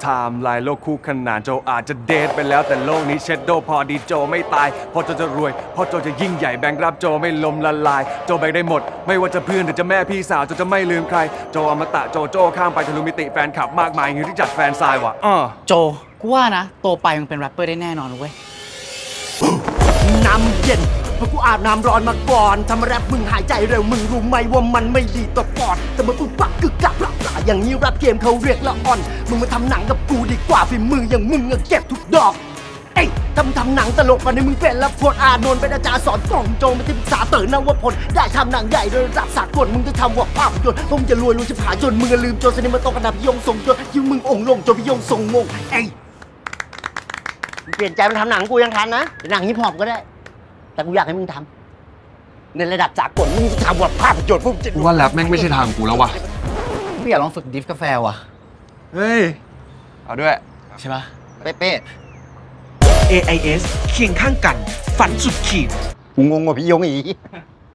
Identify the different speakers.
Speaker 1: ไทม์ไลน์โลกคู่ขนานโจอาจจะเดทไปแล้วแต่โลกนี้เชดโดพอดีโจไม่ตายพอโจจะรวยพอโจจะยิ่งใหญ่แบงค์รับโจไม่ล้มละลายโจแบงได้หมดไม่ว่าจะเพื่อนหรือจะแม่พี่สาวโจจะไม่ลืมใครโจอมตะโจข้ามไปทะลุมิติแฟนคลับมากมายอย่างที่จัดแฟนซายว่ะ
Speaker 2: โจกูว่านะโตไปมึงเป็นแรปเปอร์ได้แน่นอนเว้ย
Speaker 3: น้ำเย็นเพราะกูอาบน้ำร้อนมาก่อนทำแรปมึงหายใจเร็วมึงรู้ไหมว่ามันไม่ดีต่อปอดแต่มาปุ๊บปักกึกกักปรับอย่างนี้แรปเกมเขาเรียกละอ่อนมึงมาทำหนังกับกูดีกว่าฝีมืออย่างมึงเก็บทุกดอกเอ้ยทำหนังตลกมาในมึงเป็นละพลอานนท์เป็นอาจารย์สอนกล่องโจมาที่ปรึกษาเต๋อนวพลได้ทำหนังใหญ่ระดับสากลมึงจะทำว่าภาพยนตร์มึงจะรวยจะผาจนมึงลืมโจสนิมาโตกระดับพิยงทรงจนยิ่งมึงองค์ลงจนพิยงทรงงงเอ้ยเปลี่ยนใจมาทำหนังกูยังทันนะหนังฮิปฮอปก็ได้แต่กูอยากให้มึงทำในระดับสากลมึงจะทำว่าภาพยนตร์พวกจะ
Speaker 4: กูว่าแรปแม่งไม่ใช่ทางกูแล้ววะ
Speaker 2: กูอยากลองฝึกดิฟกาแฟว่ะ
Speaker 4: เฮ้ย เอาด้วย
Speaker 2: ใช่ปะ
Speaker 4: เป๊ะ
Speaker 5: AIS เคียงข้างกัน ฝันสุดขีด
Speaker 3: กูงงกว่าพี่ยงอีก